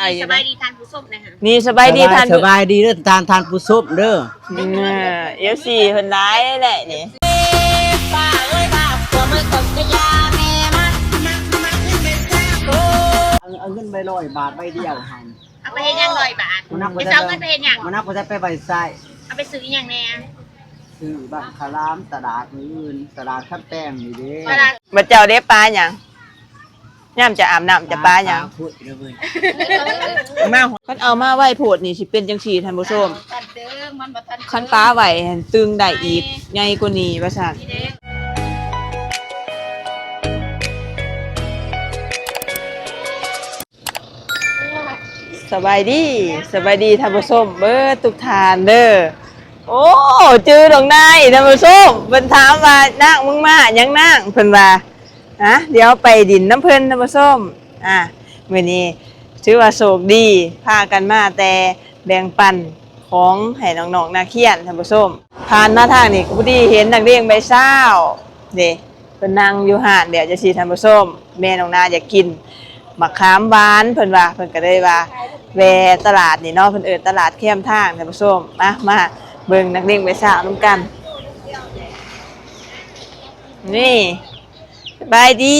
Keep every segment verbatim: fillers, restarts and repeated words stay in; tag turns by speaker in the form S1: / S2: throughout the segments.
S1: สบายดีทานผู้ส้มนะคะ
S2: นี่สบายดีทาน
S3: สบายดีเด้อทานทานผู้ซุปเด้อ
S2: เอฟซีเพิ่นร้ายแหละนี่
S1: ป้าเอ้ยป้าตัวมือกดกระยาแม่มา
S3: เอาเงินใบร้อยบาทใบเดียวให้
S1: เอาไปเฮ็ดยังร้อยบาทไปเอาเงินไปเฮ็ดยัง
S3: มันนับบ่ได้ไปใบไส้
S1: เอาไปซื้อยังแน่
S3: ซื้อบังคารามตลาดอื่นตลาดคัดแป้งนี่เด้
S2: บัดเจ้าได้ปลาหยังย่ำจะอาบน้ำจะปลาหยัง
S3: พูดเด้อเว้ย
S2: มาคันเอามาไว้โพดนี่สิเป็นจังซี่ท่านผู้ชมคันปลาไว้ตึงได้อีกใหญ่กว่านี้ว่าซั่นสบายดีสบายดีท่านผู้ชมเบิดทุกทานเด้อโอ้จื้อดอกนายท่านผู้ชมเพิ่นถามว่านางมึงมาหยังนางเพิ่นว่าฮะเดี๋ยวไปดินน้ำเพิ่นท่านผู้ชมอ่ะมื้อนี้ถือว่าโชคดีพากันมาแต่แบ่งปันของให้น้องๆนักเรียนท่านผู้ชมผ่านมาทางนี้ก็พอดีเห็นนักเรียนใบเช้าเด้เพิ่นนั่งอยู่ห้านเดี๋ยวจะสิท่านผู้ชมแม่น้องนาอยากกินมะขามหวานเพิ่นว่าเพิ่นก็เลยว่าแวะตลาดนี่เนาะเพิ่นเอิ้นตลาดเข้มทางท่านผู้ชมมามาเบิ่งนักเรียนใบเช้านำกันนี่สบายดี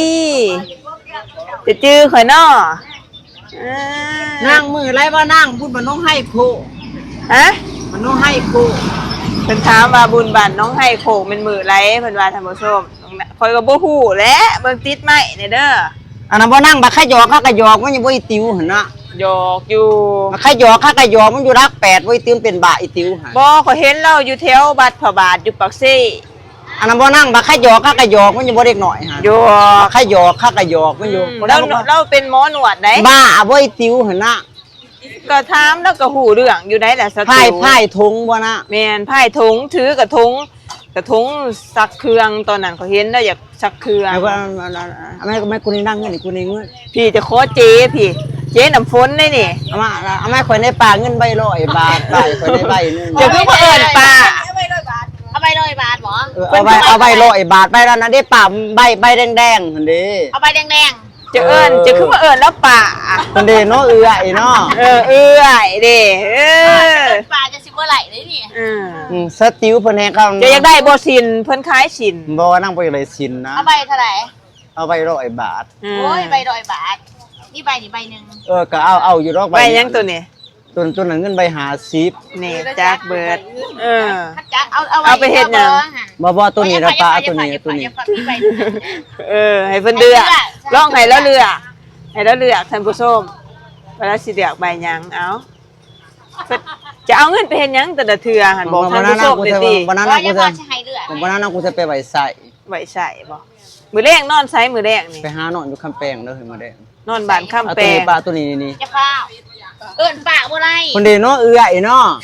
S2: จะจื้อข่อยน้อ
S3: นั่งมือไรว่านั่งพูดมันน้องให้โค
S2: ฮะ
S3: มันน้องให้โค
S2: เพิ่นถามว่าบุญบันน้องให้โคเป็นมือไรเพิ่นว่าท่านผู้ชมข่อยก็บ่ฮู้แหละเบิ่งติดไม้นี่เด้อ
S3: อันนั้นบ่นั่งบักขยอกข้ากะยอกมันยังบ่อีติวหั่นน่ะ
S2: หยอกอยู่
S3: บักขยอกข้ากะยอกมันอยู่รักแปดบ่อีติวเป็นบาอีติวหั่น
S2: บ่ข่อยเห็นเราอยู่แถวบัดพระบาทอยู่ปากซี่
S3: อันนั้นบ่นั่งบักขยอกข้ากะยอกมันยังบ่เด็กน้อยหั่น
S2: อยู่
S3: บักขยอกข้ากะยอกมันอยู่
S2: เราเราเป็นหมอหนวดได้
S3: บ้าบ่อีติวหั่นน่ะ
S2: ก็ถามแล้วก็ฮู้เรื่องอยู่ได้แหละสติ
S3: ไผ่ไผ่ทงบ่นะ
S2: แม่นไผ่ทงถือกระทงกระทงซักเครื่องตอนนั้นเขาเห็นแล้วอยากซักเครื่อง
S3: ไอ้ว่าแม่แม่กูนี่นั่งเงินนี่กูนี่เงิน
S2: พี่จะขอเจ๊พี่เจ๊น้ำฝนได้นี่
S3: เอามาเอามาข่อยในป่าเงินใบร้อยบาทใบข่อยในใบนึง
S2: จะคือบ่เอิ้นป่า
S1: เอาใบร้อยบาทเอาใบร้อยบาทหรอ
S3: เอาใบเอาใบร้อยบาทใบแล้วนั้นได้ป่าใบใบแดงๆหั่นเด้
S1: เอาใบแดง
S2: จะเอิ้นจะคือบ่เอิ้นแล้วป่า
S3: หั่นเด้เนาะเอื้อยเนาะ
S2: เออเอื้อยเด้เออ
S1: ป่าจะสิบ่ไหลเลยนี่
S2: อืม
S3: อืมสติวเพิ่นแฮเขา
S2: จะอยากได้บ่สินเพิ่นขายสิน
S3: บ่นั่งบ่ได้สินนะ
S1: เอาใบเท่าไหร่
S3: เอาใบร้อยบาท
S1: โอ้ยใบร้อยบาทนี่ใบนี่ใบนึง
S3: เออก็เอาเอาอยู่ดอก
S2: ใบยังตัวนี้
S3: ตัวตัวนั้นเงินใบห้าสิบ
S2: นี่จักเบิดเออ
S1: เอาเอา
S2: เอาไปเฮ็ดหยัง
S3: บ่บ่ตัวนี้นะป้าตัวนี้ตัวนี้
S2: เออให้เพิ่นเลือกลองให้แล้วเลือกให้แล้วเลือกท่านผู้ชมเวลาสิเลือกใบหยังเอาจะเอาเงินไปเฮ็ดหยังแต่ละเทื่อหั่นบอกท่านผู้ชมได้ติ
S3: บ่นั้นน่ะกูจะบ่นั้นน่ะกูจะไปไว้ใส่
S2: ไว้ใส่บ่มื้อแรกนอนไสมื้อแรกนี่
S3: ไปหานอนอยู่คำแปลงเด้อเฮ้ยมื้อแรก
S2: นอนบ้านคำแปลง
S3: ตัวนี้ป้าตัวนี้นี่
S1: จะข้าวเอิ้นป้าบ่ได้
S3: คนเด้เนาะเอื้อยเนาะ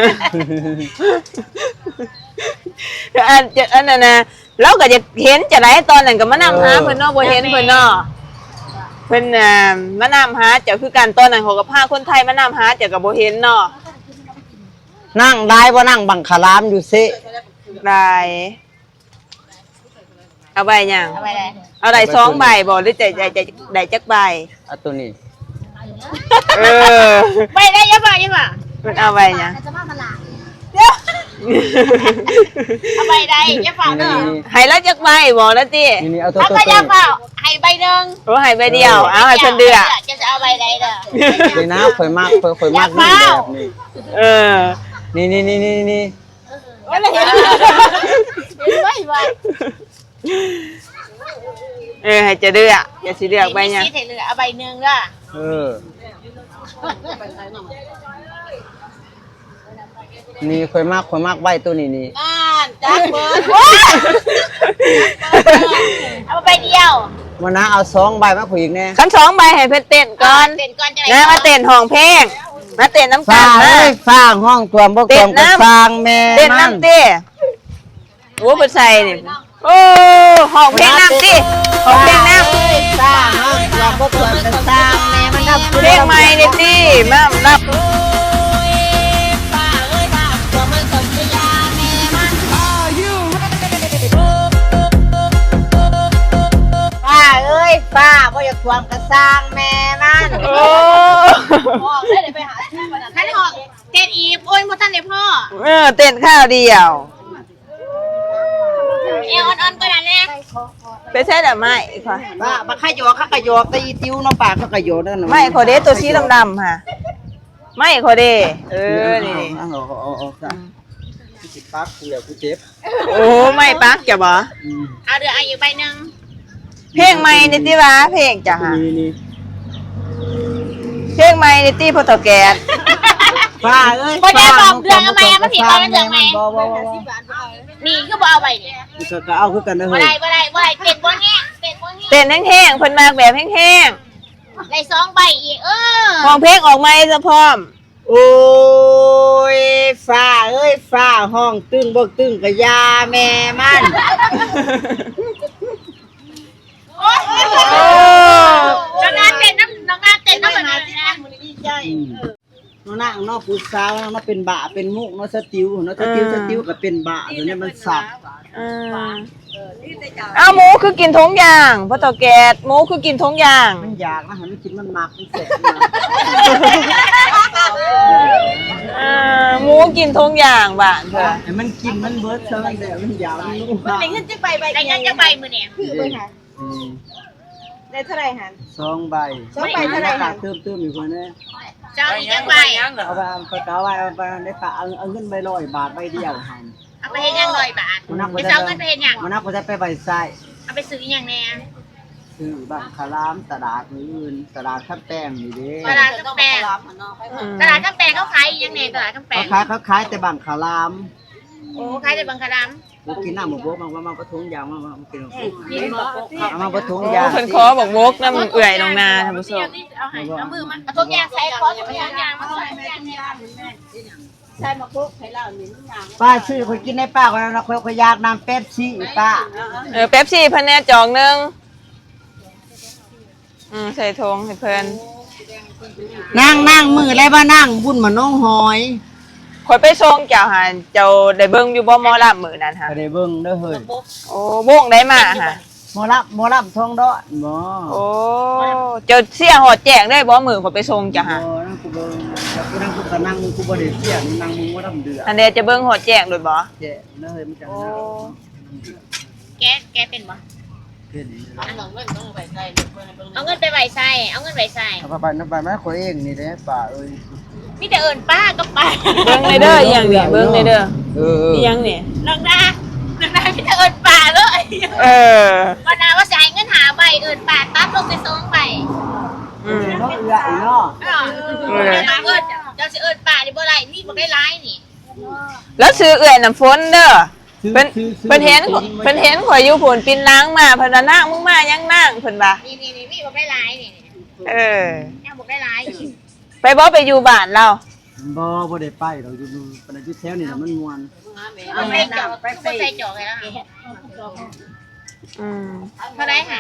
S2: อันอันนั้นน่ะเราก็จะเห็นจะได้ตอนนั้นก็มานํหาเพิ่นเนาะบ่เห็นเพิ่นเนาะเพิ่นน่ะมานํหาเจ้าคือกันตอนนั้นเขาก็พาคนไทยมานํหาเจ้าก็บ่เห็นเนาะ
S3: นั่งได้บ่นั่งบังคารามอยู่ซิ
S2: ได้เอาใบหยัง
S1: เอาใบใด
S2: เอาได้สองใบบ่หรือจะได้ได้จักใบ
S3: เอาตัวนี้
S2: เออ
S1: ใบได้ยังบ่ยังบ่
S2: เพิ่นเอาใบหยัง
S1: จะมามาล่ะเดี๋ยวเอาใบใดอย่าฝากเด้อ
S2: ให้แล้วจักใบบ่แล้วติ
S3: นี่เอาตัว
S1: ตัวอย่าฝากให้ใบนึง
S2: โอ้ให้ใบเดียวเอาให้เพิ่นเดือก
S1: จะจะเอาใบใดเด้อ
S3: นี่นะข่อยมากข่อยข่อยมากนี่แบบนี้
S2: เออ
S3: นี่นี่นี่นี่นี่
S1: โอ้ยเห็นไว้ไว้
S2: เออให้จะเลือกอย่าสิเลือกใบหยัง
S1: สิให้เลือกเอาใบนึงเด้อ
S3: เออนี่ข่อยมากข่อยมากใบตัวนี้นี่
S1: นั่นจักเบิดเอาใบเดียว
S3: มานะเอาสองใบมาผู้หญิงแน่
S2: คันสองใบให้เพิ่นเต้นก่อน
S1: เต้นก่อนจะ
S2: ได้มาเต้นห้องเพลงมาเต้นน้ำกัน
S3: นะฟางห้องตัวบ่ตัวก็ฟางแม่
S2: เต้นน้ำติโอ้เพิ่นใส่นี่โอ้ห้องเพลงน้ำติห้องเพลงน้ำ
S3: ฟางห้องตัวบ่ตัวก็ฟางแม่มันนับ
S2: เพลงใหม่นี่ติมานับ
S1: ป้าบ่อยากทวงกระสร้างแม่มัน
S2: โอ้
S1: พ่อได้เลยไปหาท่านออกเจ็ดอีบโอ้ยหมดท่านเลยพ่อ
S2: เออเต้นข้าวเดียว
S1: เอวอ่อนๆก็ได้แน่
S2: ไปใช่แต่ไม่ค่ะ
S3: ป้ามาขยอกข้ากระยอกตีติ้วเนาะปากข้ากระยอกนั่นน่ะ
S2: ไม่ขอเดตัวสีดำๆค่ะไม่ขอเดเออนี่
S3: เอาเอาเอาเอาซะสิปักกูแล้วกูเจ็บ
S2: โอ้ไม่ปักจะบ่
S3: อืม
S1: เอาเดืออายุใบหนึ่ง
S2: เพลงใหม่ในที่ว่าเพลงจ้ะค่ะ
S3: นี่นี่
S2: เพลงใหม่ในที่พอตแกน
S3: ป้าเอ้ย
S1: พอได้บอกเดือนเอาไหมมาผิดตอนเดือนไหม
S3: บ่บ่บ่
S1: นี่คือบ่เอาใบเนี่ย
S3: บ่ก็เอาคือกันเด้อ
S1: บ่
S3: เฮ้ย
S1: ได้บ่ได้บ่ได้เต็ดบ่แห้งเต็ดบ่แห้ง
S2: เต้นแห้งๆเพิ่นมากแบบแห้ง
S1: ได้สองใบอีกเออ
S2: ๆห้องเพลงออกใหม่ซะพร้อม
S3: โอ้ยฟ้าเอ้ยฟ้าห้องตึ้งบ่ตึ้งก็ยาแม่มัน
S1: โอ้ยน้องงานเต็ดน้ำน้องงานเต็ดน้ำเหมือนกันนะ
S3: น้องนางเนาะผู้สาวเนาะเป็นบะเป็นมุกเนาะสติวเนาะสติวสติวก็เป็นบะตัวนี้มันสับ
S2: อ่าเอาหมูคือกินทงยางพอตแกนหมูคือกินทงยาง
S3: มันอยากนะหันมันกินมันมักมันเสร็จ
S2: อ่าหมูกินทงยางบ้านเพิ่น
S3: ไอ้มันกินมันเบิดซะมันเดี๋ยวมันยาวมันนุ่ม
S1: ได้เงินจะใบใบได้เงินจะใบมือเนี่ย
S4: ได้เท่าไหร่หัน
S3: สองใบ
S4: สองใบเท่าไหร่
S3: ขาดเติมเติมอยู่คนนี้
S1: เจ้าอีกจังใบ
S3: เอาไปเอาไปเอาไปเอาไปได้ฝากเอาเอาเงินใบร้อยบาทใบเดียวหัน
S1: เอาไปเฮ็ดยังลอยบาทไปเจ้าเงินไปเฮ็ดยัง
S3: มันนับก็จะไปใบไส้
S1: เอาไปซื้อยังแน่
S3: คือบังคารามตลาดอื่นตลาดข้าวแป้งนี่เด้
S1: ตลาดกำแพงตลาดกำแพงเขาขายยังไงตลาดกำแพ
S3: เขา
S1: ง
S3: ขายเขาขายแต่บังคาราม
S1: โอ้ขายแต่บังคาราม
S3: กูกินน้ำหมูโบ๊ะมันว่ามันกระทงยางมันมันกินเอามากระทงยาง
S2: เพิ่นขอบอกวกน้ำเอื่อยน้องนาท่านผู้ชม
S1: เอาให้เอามือมาเอาทุกอย่างใส่คอทุกอย่างมาใส่ทุกอย่างเนี่ย
S4: ใช่มาคุกให้เราหนึ่งอย่าง
S3: ป้าชื่อคนกินในป้าคนนั้นคนคนอยากน้ำเป๊ปซี่ป้า
S2: เออเป๊ปซี่เพิ่นแน่จองหนึงอืมใส่ทงให้เพิ่น
S3: นั่งนั่งมือไรบ้านั่งบุญมาน้องหอย
S2: ข่อยไปส่งเจ้าหันเจ้าได้เบิ่งอยู่บ่หมอลำมื้อนั้นค่ะ
S3: ก็ได้เบิ่งเด้อเฮ้ย
S2: โอ้วงได้มาค่ะ
S3: หมอรับหมอรับทองดอนบ่
S2: โอ้เจ้าเสียหอดแจ้งได้บ่มื้อข่อยไปส่งเจ้าหัน
S3: บ่นั่งกูเบิ่งแล้วกูนั่งกูก็นั่งมึงกูบ่ได้เสียมึงนั่งมึงว่าทำเดือด
S2: อันเดจะเบิ่งหอดแจ้งโดยบ่
S3: เจ๊เด้อเฮ้ยมันจะ
S2: โอ้
S1: แกแกเป็นบ่
S3: เฮ็ดนี่
S1: เอาเงินไปใส่เอาเงินไปใบใส่เอาเงินไปใส่
S3: เอาไปไปไปแม่ข่อยเองนี่เด้ป้าเอ้ย
S1: มีแต่เอิญป้าก็ป้า
S2: เบิ่งเลยเด้ออีหยังนี่เบิ่งเลยเด้อ
S3: เออ
S2: อีหยังนี่
S1: น้องดาน้องดามีแต่เอิญป้าเลย
S2: เออ
S1: วันนาว่าจ่ายเงินหาใบเอิญป้าตัดลงไปสองใบ
S2: อืม
S3: เนาะเอื้ออีเนาะ
S1: เออเอิญเจ้าสิเอิญป้าดิบ่ไรนี่บ่ได้ร้ายนี่
S2: แล้วซื้อเอื่อยน้ำฝนเด้อเพิ่นเพิ่นเห็นเพิ่นเห็นข่อยอยู่พุ่นปินล้างมาเพิ่นว่านางมึงมายังนางเพิ่นว่า
S1: นี่นี่นี่นี่บ่ได้ร้ายนี่
S2: เออ
S1: แม่บ่ได้ร้ายนี่
S2: ไปบ่ไปอยู่บ้านเรา
S3: บ่บ่ได้ไปเราอยู่ปานอยู่แถวนี่น่ะมันม่วน
S1: เอาไปจอกไปใส่จอกเลยแล้ว
S2: อืม
S1: เท่าไรหา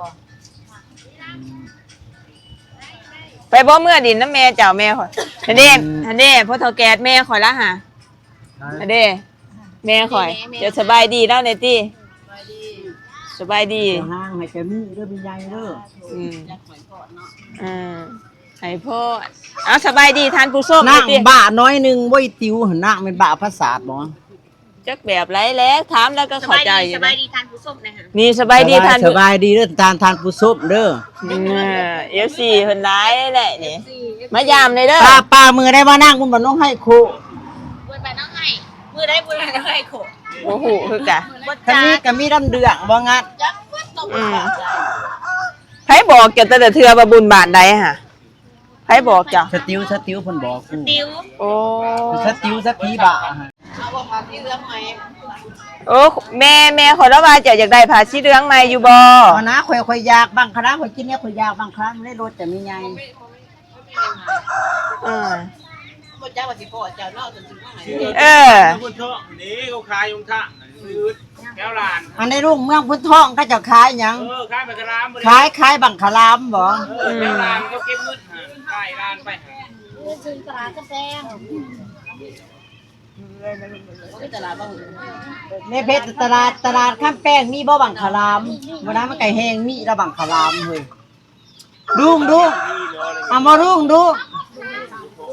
S2: ไปบ่เมื่อดินน้ำแม่เจ้าแม่ข่อยอันนี้อันนี้พ่อเฒ่าแก่แม่ข่อยละหาอันนี้แม่ข่อยเดี๋ยวสบายดีแล้วในตี้สบายดี
S3: เจ้าห้างให้แกมีเด้อมีใหญ่เด้อ
S2: อืมอืมให้พ่อเอาสบายดีทานผู้ส้ม
S3: นั่ง
S2: ติ
S3: บ้าน้อยหนึงบ่อีติวหั่นน่ะเป็นบ้าภาษาบ่
S2: จักแบบไรแล้วถามแล้วก็
S1: ส
S2: เข้า
S1: บาย
S2: ใจ
S1: ดี
S2: อ
S1: ส
S2: ยู่
S1: บา
S2: นะ
S1: ยดีทานผู้ส้มนะฮะ
S2: นี่สบายดีทาน
S3: สบายดีเด้อทานทานผู้ซุปเด้อ
S2: เอฟซีเพิ่นร้ายแหละนี่มายามเลยเด้อ
S3: ป้าป้ามือได้มานั่งบุญบ่น้องให้ครู
S1: บุญไปน้องให้มือได้บุญไปน้องให้โข
S2: โอ้โหคือกะ
S3: คันนี้ก็มีดำเดืองบ่งัด
S1: จักวัดตก
S2: อืมไผบอกเกี่ยวแต่เทือว่าบุญบาทใดฮะไผบอกจ้ะ
S3: สติวสติวเพิ่นบอกกู
S1: ติว
S2: โอ้
S3: สติวสักทีบะ
S2: โอ้แม่แม่ขอรับว่าเจ้าอยากได้ผ้าสีเหลืองใหม่อยู่บ่
S3: เอานะข่อยข่อยอยากบางครั้งข่อยกินเนี่ยข่อยอยากบางครั้งได้รสแต่มีไง
S2: อ่า
S4: บ่จ้าว่าสิพ่อเจ้าเนาะจนถึงว่าไง
S2: เออ
S5: พุทธนี่เขาขายยงท่าซื้อแก้วลาน
S3: อันในรุ่งเมืองพุทธทองเขาเจะขายหยัง
S5: เออขายไปกระลาม
S3: ขายขายบังคลามบ่
S5: เออแก้วลานเขาเก็บเงินหาขายลานไปหา
S1: ซื้อตลาดกาแฟ
S3: ในเพชรตลาดตลาดข้ามแป้งมีบ่บังคลามบ่นั้นมันไก่แห้งมีละบังคลามเฮ้ยดุงดุงเอามาดุงดุง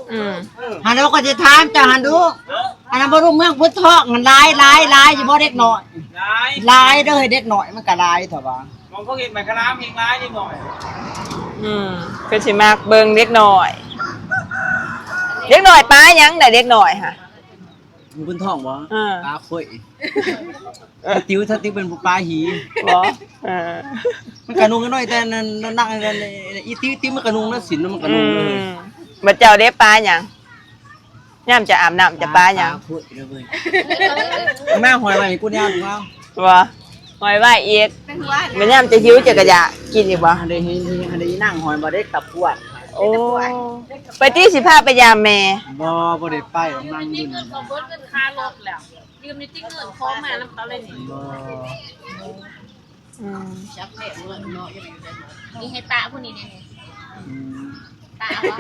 S2: อืม
S3: หันเราก็จะถามจ้าหันดูอันนั้นบ่รู้เมืองพุทธทอกมันหลายหลายหลายอยู่บ่เด็กน้อย
S5: ร้าย
S3: หลายเด้อเด็กน้อยมันก็หลายเถอะว่า
S5: มองเขาเห็นไหมกระลามเห็นร้ายนิดหน่อย
S2: อืมคือสิมักเบิ่งเด็กน้อยเด็กน้อยป้ายังได้เด็กน้อยค่ะ
S3: อยู่บนท้องบ่
S2: อ่า
S3: ปลาข่อยถ้าติ้วถ้าติ้วเป็นปลาหี
S2: บ่เออ
S3: มันกระนุงกันหน่อยแต่นั่นนั่งนั่นอีติ้วติ้วมันกระนุงแล้วสินมันกระ
S2: อื
S3: นุงเลย
S2: มบัดเจ้าเด็กป้าหยังย่ามจะอาบน้ำจะป้าหยัง
S3: ข่อยเด้อเว้ยแม่หอยไว้กูเนี่ยถูกแล้ว
S2: บ่หอยไว้อีก
S4: เป็นว่า
S2: มันย่ามจะหิวจะกระยะกินอีกบ่
S3: หันได้เห็นหันได้นั่งหอยบ่ได้ตับปวด
S2: โอ้ไปที่สิพาไปยามแม่
S3: บ่บ่ได้ไปนั่งอยู่นี่
S1: เขาเบิดเงินค่ารถแล้วยืมในติ๊กเงินคล้องมาน้ำเขาเลยนี่
S3: บ่
S2: อืม
S4: ชักแม่เงินเนาะอยู่ได้เนาะ
S1: นี่ให้ตาผู้นี้เนี่ย
S3: อืม
S1: ตาเอาวะ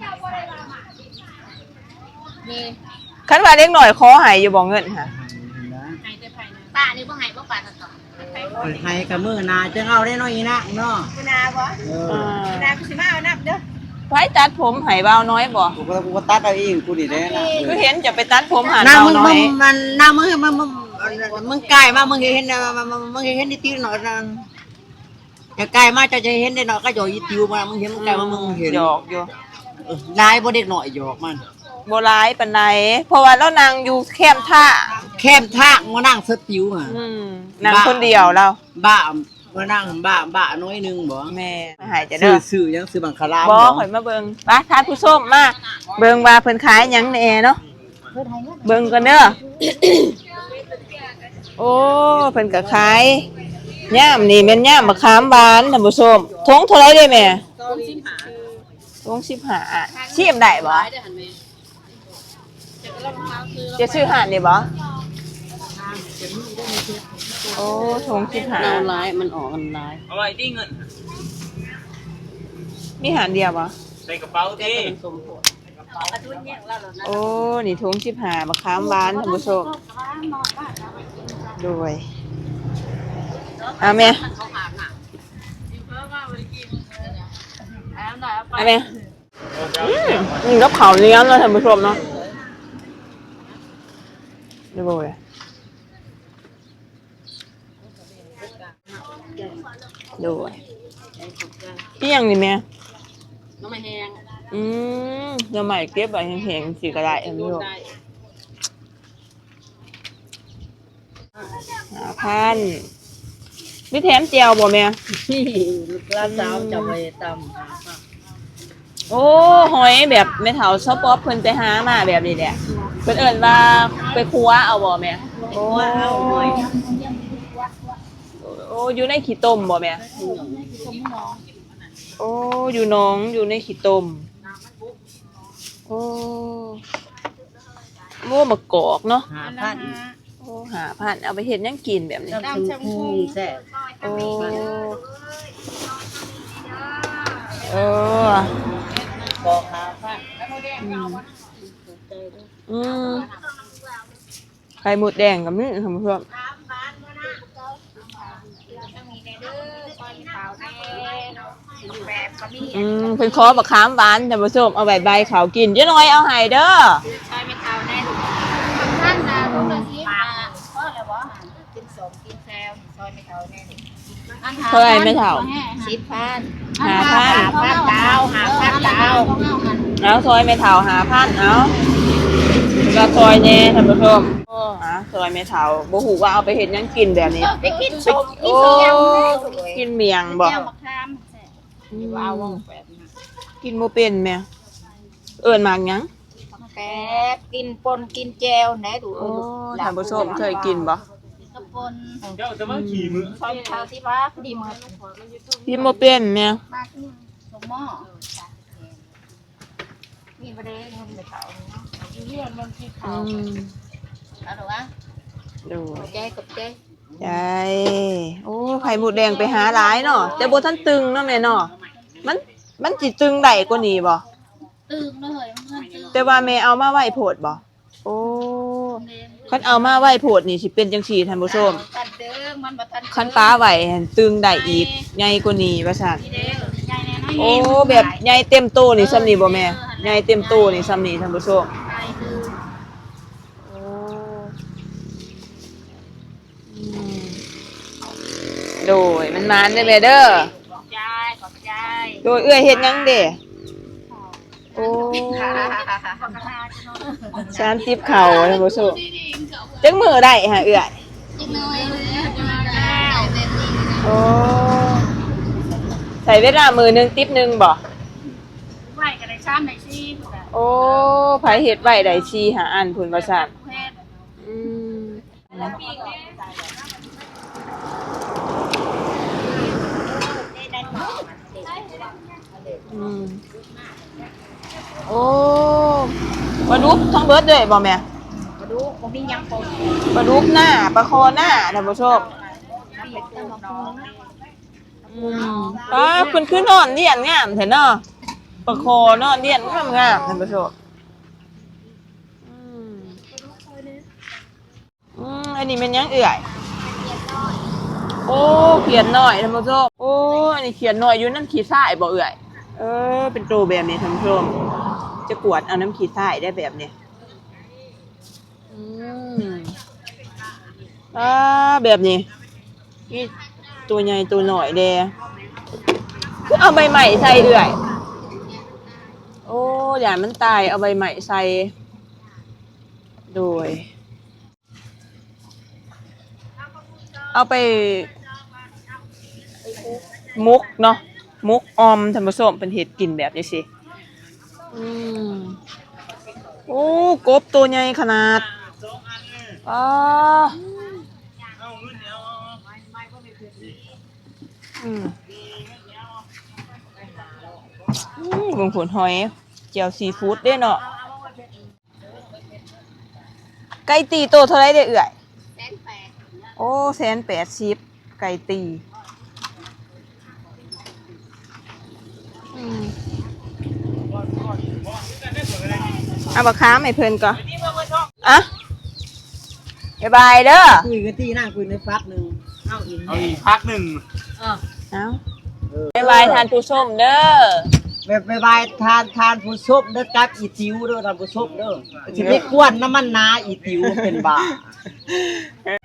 S1: นี่
S2: คันว่าเด็กน้อยขอให้อยู่บ่เงินค่ะ
S1: ให้แต่ภายในตานี่บ่ให้บ่ปานต่อ
S3: เปิดให้กับมือนาจะเอาได้น้อยอีนะเนาะ
S4: คุณอาบ่
S3: เอ
S2: อ่
S3: อา
S4: คุณอากูสิมาเอานับเด้อ
S2: ไว้ตัดผมให้เบาน้อยบ่
S3: กูก็กูก็ตัดเอาเองกูนี่แหละนะ
S2: คือเห็นจะไปตัดผมหา
S3: น้า
S2: เบา
S3: มึง
S2: น้อ
S3: มึ
S2: ย
S3: งมันน้ามึงมึงมึงมึงใกล้มามึงเห็นนะมึงเห็นนิดติวหน่อยนะจะใกล้มาจะจะเห็นได้หน่อยก็หยอกอีติวมามึงเห็นมึงใกล้มามึงเห็น
S2: หยอกอยู่
S3: ลายบ่เด็กหน่อยหยอกมัน
S2: บ่ร้ายปานใดเพราะว่าเรานั่งอยู่แคมป์ท่า
S3: แคมทากมานั่งสติวอ่ะ
S2: อืมนั่งคนเดียวเรา
S3: บ้ามานั่งบ้าบ้าน้อยนึงบ่
S2: แม่มาหายจะ
S3: ซื้
S2: เด้
S3: อ
S2: อ
S3: ซื้อยังซื้อบังคลาม
S2: บ่ข่อยมาเบิ่งไปทานผู้ส้มมาเบิ่งว่าเพิ่นขายหยังแหน่เนาะเบิ่งกันเด้อ โอ้เพิ่นก็ขายย่ามนี่แม่นย่ามมะขามหวานท่านผู้ชมทงเท่าไหร่เด้แม่ทงสิบห้าชิมได้บ่จะซื้อหานนี่บ่โอ้ทงสิบห้า
S4: เอาลายมันออกอันลาย
S5: เอาไว้ที่เงิน
S2: มีหานเดียวบ่
S5: ใส่กระเป๋าดิ
S4: สมโพธิ
S2: โอ้นี่ทงสิบห้ามะขามหวานท่านผู้ชมด้วยเอาแม่เอาแม่อืมนี่กับข้าวเลี้ยงเนาะท่านผู้ชมเนาะดูบ่เลยดูอีหยังนี่แม่
S4: น้องไม่แห้ง
S2: อืมเดี๋ยวใหม่เก็บไว้แห้งๆสิก็ได้ท่านผู้ชมห้าพันมีแถมเจียวบ่แม่
S4: ที่ลูกหลานสาวจะไปตำ
S2: โอ้หอยแบบแม่เฒ่าชอบป๊อปเพิ่นไปหามาแบบนี้แหละเพิ่นเอิ้นว่าไปครัวเอาบ่แม่โอ้โอ้อยู่ในขี้ต้มบ่แม่โอ้อยู่หนองอยู่ในขี้ต้มโอ้โม่มะกอกเนาะ
S3: หาพัน
S2: โอ้หาพันเอาไปเฮ็ดหยังกินแบบนี้
S3: น้ำชมพูแซ่บ
S2: โอ้เออ
S3: บอกหาพัน
S2: อืมไข่หมดแดงกับนี่ท่านผู้ชมอืมเพิ่นขอบักขามหวานท่านผู้ชมเอาใบใบขาวกินเจ๊น้อยเอาให้เด้อ
S1: ใช่ไม่เท่าแน่ดูท่านนะรู้เลยสิมาเพราะอะไรวะกินสมกินแซวซอยไม่เท่าแน่ดู
S2: เท่าไหร่ไม่เท่า
S1: สิบพัน
S2: หาพัน
S1: พันดาวหาพันดาว
S2: เอาซอยไม่เท่าหาพันเอาแล้วซอยแน่ท่านผู้ชมโอ้หาซอยไม่เท่าบ่ฮู้ว่าเอาไปเฮ็ดหยังกินแบบนี้
S1: ไปกินสมกิ
S2: โอ้
S1: นเสียง
S2: กินเมียงบ่
S1: แก้วมะขามแซ่บว้าวว่องแปดนะ
S2: กินบ่เป็นแม่เอิ้นมากหยัง
S1: แปดกินปนกินแจวไหนดู
S2: โอ้ท่านผู้ชมเคยกินบ่
S1: กระปน
S5: เจ้าจะมาขี่มือ
S1: ซอยเท้าที่ว่าพอดีมือ
S2: กินบ่เป็นแม่
S1: มากขึ้นสมหม้อมีประเด็นเงินไปเขาเรื่องบางทีเขา
S2: อืม
S1: เอาหรอวะ
S2: ดู
S1: ใจกับใจ
S2: ใช่โอ้ไข่หมูแดงไปหาหลายเนาะแต่บ่ทันตึงเนาะแม่เนาะมันมันสิตึงได้กว่านี้บ่
S1: ตื่นเลยมันตื่น
S2: แต่ว่าแม่เอามาไว้โพดบ่โอ้คันเอามาไว้โพดนี่สิเป็นจังซี่ท่านผู้ชม
S1: ตัดเด้อมันบ่ทัน
S2: คันป้าไว้หั่นตึงได้อีกใหญ่กว่านี้ว่าซั่น
S1: เด้อใหญ่แน่น
S2: โอ้แบบใหญ่เต็มโตนี่ซ้ำนี่บ่แม่ใหญ่เต็มโตนี่ซ้ำนี่ท่านผู้ชม
S1: ไก่คือ
S2: โอ้อืมโดยมันมานได้อแม่เด้อ
S1: ขอบใจขอบใจ
S2: โดยเอื้อยเฮ็ดหยังเด้โอ้
S1: ขอบใจจะนอน
S2: ชานติบเข่าท่านผู้ชมจักมือได้ฮะเอื้อย
S1: จิกน้อยเลยจะมาได้
S2: โอ้ใส่เวลามือหนึงติ๊บหนึงบ่
S1: ไหวกันได้ซ้ำได้ซี่พวกนั้น
S2: โอ้ไผเฮ็ดไว้ได้ชีหาอันพุ่นว่าซั่น
S1: เพศ
S2: อืมอืมโอ้ปลาดุกทั้งเบิดเลยบ่แม่
S1: มาดูผมมียังปน
S2: ปลาดุกหน้าปลาคอหน้าท่านผู้ชม
S1: น้ำเป็ดตัวน้อง
S2: อืมป้าเพิ่นคือนอนเลียนงามแท้เนาะปลาคอนอนเลียนงามงามท่านผู้ชมอืมอืมอันนี้มันหยังเอื่อยโอ้เขียนหน่อยท่านผู้ชมโอ้อันนี้เขียนหน่อยอยู่น้ำขี้ทรายบ่เอื่อยเออเป็นตัวแบบนี้ท่านผู้ชมจะกวดเอาน้ำขี้ทรายได้แบบนี้อืมอ่าแบบนี้นี่ตัวใหญ่ตัวหน่อยเด้คือเอาใบใหม่ใส่เอื่อยโอ้อย่ามันตายเอาใบใหม่ใส่โดยเอาไปมุกเนาะมุกออมท่านผู้ชมเป็นเห็ดกินแบบนี้สิอืมโอ้กบตัวใหญ่ขนาดอ้าอืมอืมเบิ่งผลหอยเจียวซีฟู้ดเด้เนาะไก่ตีโตเท่าไรเด้เอื่อย
S1: แสนแปด
S2: โอ้แสนแปดสิบไก่ตีอืมเอาบักค้ามให้เพิ่นก่อนอ่ะบ๊ายบายเด้อ
S3: คุยกันที่นั่งคุยในฟักหนึ่งเอาอีก
S5: เอาอีกพักหนึ่ง
S2: เอาบ๊ายบายทานผู้ชมเด้อ
S3: แบบบายทานทานผู้ชมเด้อกับอีติวเด้อทานผู้ชมเด้อสิไปกวนน้ำมันนาอีติวเป็นบ้า